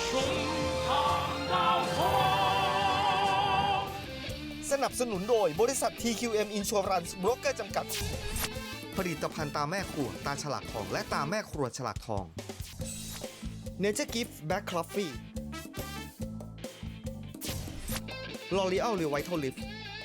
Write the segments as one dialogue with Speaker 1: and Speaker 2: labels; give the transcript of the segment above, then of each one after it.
Speaker 1: สนับสนุนโดยบริษัท TQM Insurance Broker จำกัด ผลิตภัณฑ์ตาแม่ครัวตาฉลากทองและตาแม่ครัวฉลากทอง Nature Gift Black Coffee L'Oreal Revital Lift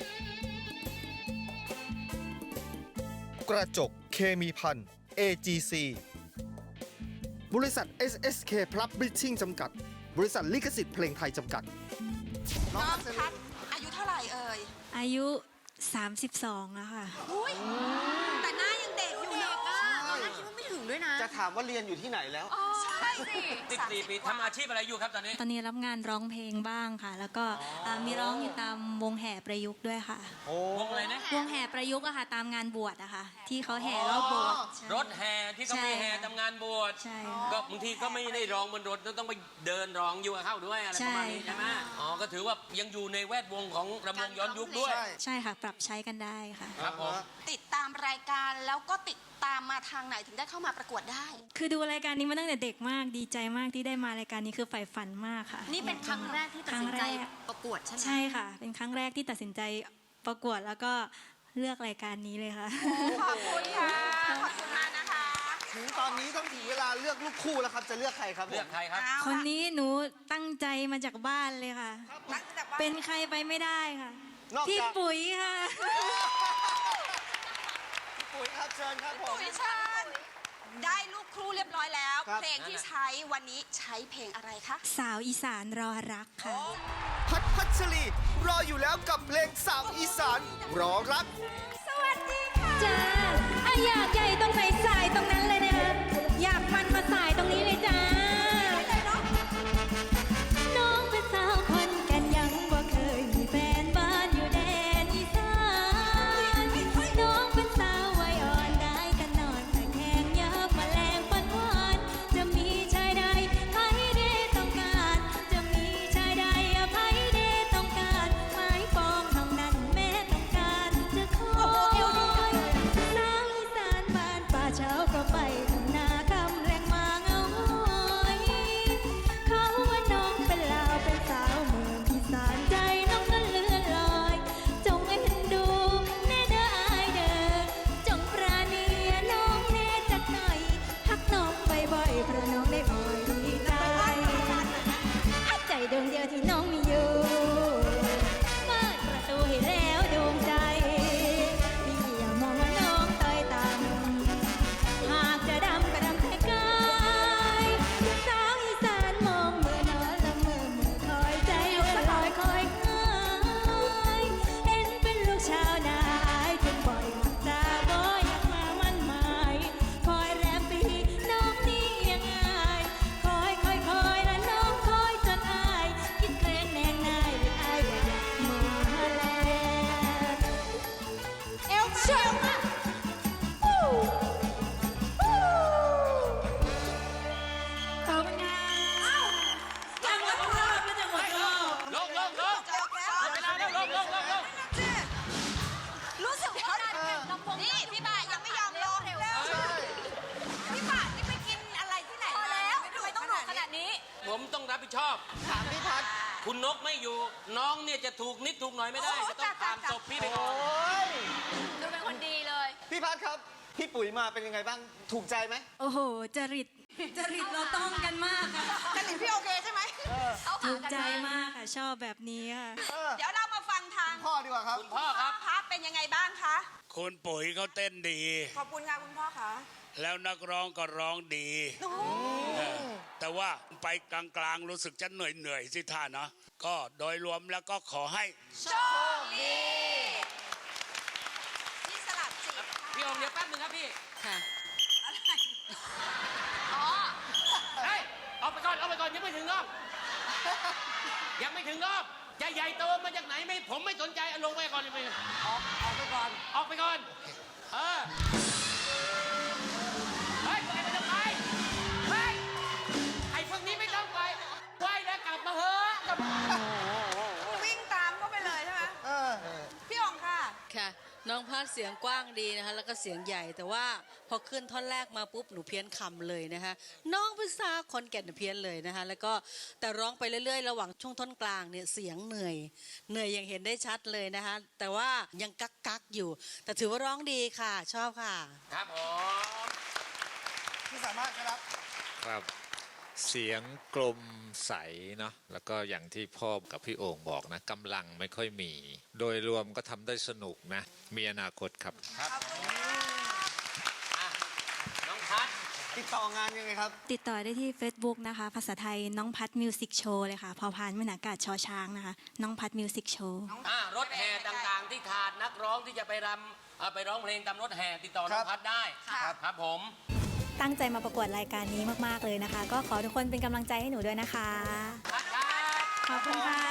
Speaker 1: กระจกเคมีพัน AGC บริษัท SSK Publishing จำกัด บริษัทลิขสิทธิ์เพลงไทยจำกัด
Speaker 2: น้องพัดอายุเท่าไหร่เอ่ย
Speaker 3: อายุ 32แล้วค่ะ
Speaker 2: อุ้ยแต่หน้ายังเด็กอยู่เด็กอ่ะตอนแรกคิดว่าไม่ถึงด้วยนะ
Speaker 1: จะถามว่าเรียนอยู่ที่ไหนแล้ว
Speaker 2: ใช่สิ
Speaker 4: 14 ปีทำอาชีพอะไรอยู่ครับตอนนี้
Speaker 3: ตอนนี้รับงานร้องเพลงบ้างค่ะ แล้วก็มีร้องอยู่ตามวงแห่ประยุกต์ด้วยค่ะ
Speaker 4: วงอะไรนะ
Speaker 3: วงแห่ประยุกต์อะค่ะตามงานบวชอะค่ะ ที่เขาแห่รอบโบสถ์ใช่
Speaker 4: รถแห่ที่เขามีแห่ทำงานบวช
Speaker 3: ใช่ค่ะ
Speaker 4: ก็บางทีก็ไม่ได้ร้องบนรถต้องไปเดินร้องอยู่กับเขาด้วยอะไรประมาณนี้
Speaker 3: ใช่
Speaker 4: ใช่ไหมอ๋อก็ถือว่ายังอยู่ในแวดวงของรำวงย้อนยุคด้วย
Speaker 3: ใช่ค่ะ ปรับใช้กันได้ค่ะ
Speaker 4: ครับผม
Speaker 2: ติดตามรายการแล้วก็ติดตามมาทางไหนถึงได้เข้ามาประกวดได้
Speaker 3: คือดูรายการนี้มาตั้งแต่เด็กมากดีใจมากที่ได้มารายการนี้คือใฝ่ฝันมากค่ะ
Speaker 2: นี่เป็นครั้งแรกที่ตัดสินใจประกวดใช่ไหม
Speaker 3: ใช่ค่ะ เป็นครั้งแรกที่ตัดสินใจประกวดแล้วก็เลือกรายการนี้เลยค่ะ
Speaker 2: ขอบคุณค่ะ ขอบคุณมากนะคะ
Speaker 1: ถึงตอนนี้ต้องถึงเวลาเลือกลูกคู่แล้วครับ จะเลือกใครครับผม
Speaker 4: เลือกใครครับ
Speaker 3: คนนี้หนูตั้งใจมาจากบ้านเลยค่ะ
Speaker 2: ตั้งแต่ว่า
Speaker 3: เป็นใครไปไม่ได้ค่ะ
Speaker 1: นอก
Speaker 3: พี่
Speaker 1: จาก
Speaker 3: ปุ๋ยค่ะ
Speaker 1: ปุ๋ยครับเชิญครับผม
Speaker 2: ปุ๋ยชาญได้ลูกครูเรียบร้อยแล้ว
Speaker 1: ครับ
Speaker 2: เพลงที่ใช้วันนี้ใช้เพลงอะไรคะ
Speaker 3: สาวอีสานรอรักค่ะ
Speaker 1: พัชรีรออยู่แล้วกับเพลงสาวอีสานรอรัก
Speaker 2: สวัสดีค่ะ
Speaker 3: จ้าอยากใหญ่ตรงไหนสายตรงนั้นเลยนะคะอยากมันมาสายตรงนี้เลยจ้า น้องเป็นสาวคนกันยังบ่เคยมีแฟนบ้านอยู่แดนอีสานน้องเป็นสาววัยอ่อนได้แต่นอนแต่แข็งยับแมลงปันหวานจะมีชายใดใครได้ต้องการ จะมีชายใดใครได้ต้องการไม้ปองเท่านั้นแม่ต้องการจะขอสาวอีสานบ้านป่าเช้าก็ไปทำนาคำแรงมาเงาหอยเขาว่าน้องเป็นลาวเป็นสาวเมืองอีสานใจน้องนั้นเลื่อนลอย จงเอ็นดูแน่เด้ออายเด้อจงปราณีน้องแน่จักหน่อยฮักน้องบ่อยๆเพราะน้องได้อ่อยดีใจใจดวงเดียวที่น้องมีอยู่เปิดประตูให้แล้วดวงใจพี่อย่ามองว่าน้องต้อยต่ำหากจะดำก็ดำแค่กายสาวอีสานมองเมื่อนอนละเมื่อคอยใจเลื่อนลอยคอยหายเห็นเป็นลูกชาวนาอายถึงบ่อยมักจะบ่อยากมามันหมายคอยแรมปีน้องนี่ยังไงคอยและน้องคอยจนอายคิดแกล้งแนงนายหรืออายว่าอยากมาแล้วเอวเชื่อมากขอบคุณค่ะจะหมดรอบแล้วจะหมดรอบ
Speaker 4: ลงเวลาแล้วลง
Speaker 2: รู้สึกว่านี่พี่บ่ายังไม่ยอมลงพี่บ่านี่ไปกินอะไรที่ไหนมาแล้วทำไมต้องโดดขนาดนี้
Speaker 4: ผมต้องรับผิดชอบ
Speaker 1: ถามพี่พัด
Speaker 4: คุณนกไม่อยู่ น้องเนี่ยจะถูกนิดถูกหน่อยไม่ได้
Speaker 2: โอ้
Speaker 4: จะต้องผ่าน
Speaker 2: จ้ะ
Speaker 4: ศพพี่ไปก่อน
Speaker 1: โอ้ย
Speaker 2: ดูเป็นคนดีเลย
Speaker 1: พี่พัดครับ พี่ปุ๋ยมาเป็นยังไงบ้าง ถูกใจไหม
Speaker 3: โอ้โห จริตเราต้องกันมากค่ะ
Speaker 2: กันหลินพี่โอเคใช่ไหมเอา
Speaker 3: ถู
Speaker 2: ผ่าน
Speaker 3: ก
Speaker 2: กัน
Speaker 3: ใจ
Speaker 2: มาม
Speaker 3: ากค่ะ ชอบแบบนี้ค่ะ
Speaker 2: เดี๋ยวเรามาฟังทาง
Speaker 1: พ่อดีกว่าครับ
Speaker 4: คุณพ่อครับ
Speaker 2: พัดเป็นยังไงบ้างคะ
Speaker 5: คุณปุ๋ยเขาเต้นดี
Speaker 2: ขอบคุณค่ะคุณพ่อคะ
Speaker 5: แล้วนักร้องก็ร้องดีเออแต่ว่าไปกลางๆรู้สึกจะเหนื่อยๆสิท่าเนาะก็โดยรวมแล้วก็ขอให้
Speaker 2: โชคดีที่สลับจิต
Speaker 4: พี่องค์เดี๋ยวแป๊บนึงครับพี่
Speaker 3: ค่ะ
Speaker 2: อ๋อ
Speaker 4: เฮ้ยออกไปก่อนยังไม่ถึงรอบยังไม่ถึงรอบจะใหญ่โตมาจากไหนไม่ผมไม่สนใจเอาลงไปก่อนเลยออกไปก่อนเออเฮ้ยไปจะไปเฮ้ยไอ้พวกนี้ไม่ต้องไปไหวแล้วกลับมาเฮ้อะ
Speaker 2: วิ่งตามเข้าไปเลยใช่ไหมพี่องค่ะ
Speaker 6: ค่ะ น้องพพัฒน์เสียงกว้างดีนะคะแล้วก็เสียงใหญ่แต่ว่าพอขึ้นท่อนแรกมาปุ๊บหนูเพี้ยนคำเลยนะคะน้องเป็นสาวขอนแก่นเพี้ยนเลยนะคะแล้วก็แต่ร้องไปเรื่อยๆระหว่างช่วงท่อนกลางเนี่ยเสียงเหนื่อยอย่างเห็นได้ชัดเลยนะคะแต่ว่ายังกักอยู่แต่ถือว่าร้องดีค่ะชอบค่ะ
Speaker 4: ครับผม
Speaker 1: ที่สามารถครับ
Speaker 7: ครับเสียงกลมใสเนาะแล้วก็อย่างที่พ่อกับพี่โอ่งบอกนะกำลังไม่ค่อยมี โดยรวมก็ทำได้สนุกนะมีอนาคตครับ
Speaker 4: น้องพัด
Speaker 1: ติดต่องานยังไงครับ
Speaker 3: ติดต่อได้ที่ Facebook นะคะ ภาษาไทยน้องพัดมิวสิกโชว์เลยค่ะ พอพานไม่หนากาศชอช้างนะคะ น้องพัดมิวสิกโชว์
Speaker 4: รถแห่ต่างๆที่ขาดนักร้องที่จะไปรำไปร้องเพลงตามรถแห่ติดต่อน้องพัดได้ครับผม
Speaker 3: ตั้งใจมาประกวดรายการนี้มากๆเลยนะคะ ก็ขอทุกคนเป็นกำลังใจให้หนูด้วยนะคะ
Speaker 4: พัดครับ
Speaker 3: ขอบคุณค่ะ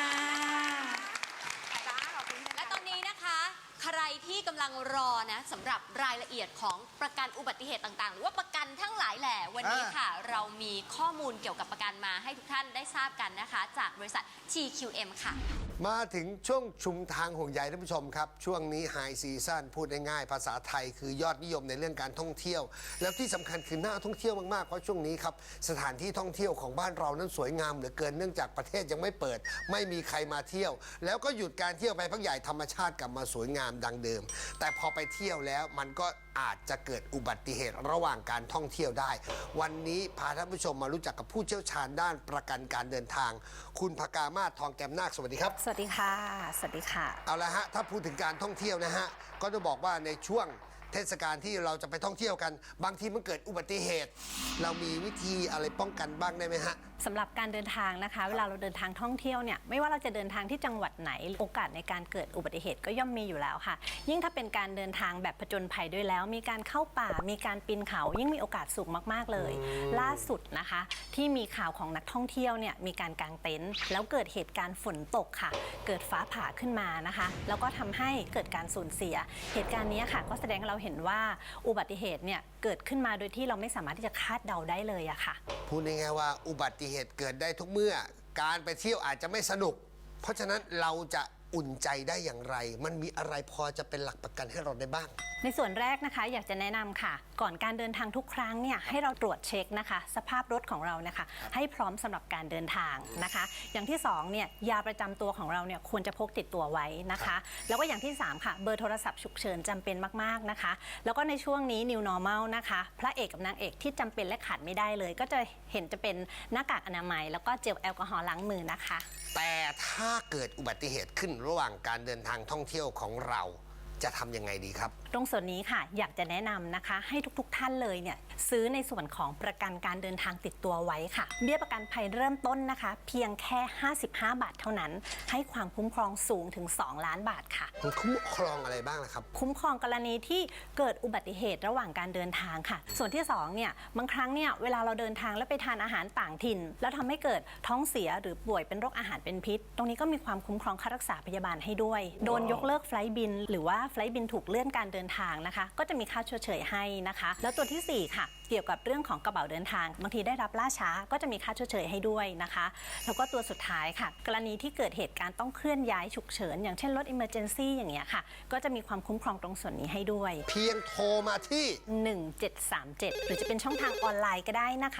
Speaker 2: และตอนนี้นะคะ ใครที่กำลังรอนะสำหรับรายละเอียดของประกันอุบัติเหตุต่างๆ หรือว่าประกันทั้งหลายแหล่วันนี้ค่ะ เรามีข้อมูลเกี่ยวกับประกันมาให้ทุกท่านได้ทราบกันนะคะ จากบริษัท TQM ค่ะ
Speaker 8: มาถึงช่วงชุมทางห่วงใยท่านผู้ชมครับ ช่วงนี้ไฮซีซั่นพูดง่ายๆภาษาไทยคือยอดนิยมในเรื่องการท่องเที่ยว แล้วที่สำคัญคือน่าท่องเที่ยวมากๆเพราะช่วงนี้ครับสถานที่ท่องเที่ยวของบ้านเรานั้นสวยงามเหลือเกินเนื่องจากประเทศยังไม่เปิด ไม่มีใครมาเที่ยว แล้วก็หยุดการเที่ยวไปพักใหญ่ธรรมชาติกลับมาสวยงามดังเดิม แต่พอไปเที่ยวแล้วมันก็อาจจะเกิดอุบัติเหตุระหว่างการท่องเที่ยวได้ วันนี้พาท่านผู้ชมมารู้จักกับผู้เชี่ยวชาญด้านประกันการเดินทาง คุณภกามาศทองแก้มนาคสวัสดีครับ
Speaker 9: สวัสดีค่ะ สวัสดีค่ะ
Speaker 8: เอาละฮะถ้าพูดถึงการท่องเที่ยวนะฮะก็จะบอกว่าในช่วงเทศกาลที่เราจะไปท่องเที่ยวกัน บางทีมันเกิดอุบัติเหตุ เรามีวิธีอะไรป้องกันบ้างได้ไหมฮะ
Speaker 9: สำหรับการเดินทางนะคะ เวลาเราเดินทางท่องเที่ยวเนี่ยไม่ว่าเราจะเดินทางที่จังหวัดไหนโอกาสในการเกิดอุบัติเหตุก็ย่อมมีอยู่แล้วค่ะ ยิ่งถ้าเป็นการเดินทางแบบผจญภัยด้วยแล้ว มีการเข้าป่ามีการปีนเขายิ่งมีโอกาสสูงมากๆเลย ล่าสุดนะคะที่มีข่าวของนักท่องเที่ยวเนี่ยมีการกางเต็นท์แล้วเกิดเหตุการณ์ฝนตกค่ะ เกิดฟ้าผ่าขึ้นมานะคะแล้วก็ทำให้เกิดการสูญเสียเหตุการณ์นี้ค่ะก็แสดงให้เราเห็นว่าอุบัติเหตุเนี่ยเกิดขึ้นมาโดยที่เราไม่สามารถที่จะคาดเดาได้เลยอะค่ะ
Speaker 8: พูดง่ายๆว่าอุบัติเหตุเกิดได้ทุกเมื่อการไปเที่ยวอาจจะไม่สนุก เพราะฉะนั้นเราจะอุ่นใจได้อย่างไร มันมีอะไรพอจะเป็นหลักประกันให้เราได้บ้าง
Speaker 9: ในส่วนแรกนะคะอยากจะแนะนำค่ะ ก่อนการเดินทางทุกครั้งเนี่ยให้เราตรวจเช็คนะคะสภาพรถของเรานะคะให้พร้อมสำหรับการเดินทางนะคะ อย่างที่2เนี่ยยาประจำตัวของเราเนี่ยควรจะพกติดตัวไว้นะคะ แล้วก็อย่างที่3ค่ะเบอร์โทรศัพท์ฉุกเฉินจำเป็นมากๆนะคะ แล้วก็ในช่วงนี้ New Normal นะคะพระเอกกับนางเอกที่จำเป็นและขาดไม่ได้เลย ก็จะเห็นจะเป็นหน้ากากอนามัยแล้วก็เจลแอลกอฮอล์ล้างมือนะคะ
Speaker 8: แต่ถ้าเกิดอุบัติเหตุขึ้นระหว่างการเดินทางท่องเที่ยวของเราจะทำยังไงดีครับ
Speaker 9: ตรงส่วนนี้ค่ะอยากจะแนะนำนะคะให้ทุกท่านเลยเนี่ยซื้อในส่วนของประกันการเดินทางติดตัวไว้ค่ะเบี้ยประกันภัยเริ่มต้นนะคะเพียงแค่55 บาทเท่านั้นให้ความคุ้มครองสูงถึง2 ล้านบาทค่ะ
Speaker 8: มันคุ้มครองอะไรบ้างล่ะครับ
Speaker 9: คุ้มครองกรณีที่เกิดอุบัติเหตุระหว่างการเดินทางค่ะ ส่วนที่2เนี่ยบางครั้งเนี่ยเวลาเราเดินทางแล้วไปทานอาหารต่างถิ่น แล้วทำให้เกิดท้องเสียหรือป่วยเป็นโรคอาหารเป็นพิษ ตรงนี้ก็มีความคุ้มครองค่ารักษาพยาบาลให้ด้วย โดนยกเลิกไฟลท์บินหรือว่าไฟลท์บินถูกเลื่อนการเดินทางนะคะก็จะมีค่าชดเชยให้นะคะ แล้วตัวที่4ค่ะเกี่ยวกับเรื่องของกระเป๋าเดินทางบางทีได้รับล่าช้าก็จะมีค่าชดเชยให้ด้วยนะคะแล้วก็ตัวสุดท้ายค่ะกรณีที่เกิดเหตุการณ์ต้องเคลื่อนย้ายฉุกเฉินอย่างเช่นรถ Emergency อย่างเงี้ยค่ะก็จะมีความคุ้มครองตรงส่วนนี้ให้ด้วย
Speaker 8: เพียงโทรมาที่
Speaker 9: 1737 หรือจะเป็นช่องทางออนไลน์ก็ได้นะคะ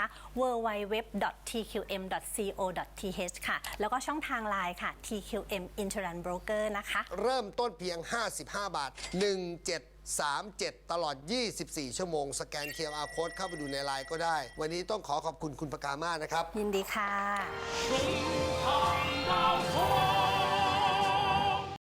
Speaker 9: www.tqm.co.th ค่ะแล้วก็ช่องทางไลน์ค่ะ TQM Insurance Broker นะคะ
Speaker 8: เริ่มต้นเพียง55 บาท 1737 ตลอด 24 ชั่วโมง สแกน QR Code เข้าไปดูในไลน์ก็ได้ วันนี้ต้องขอขอบคุณคุณภกามาศนะครับ
Speaker 9: ยินดีค่ะ
Speaker 4: พรุ่งนี้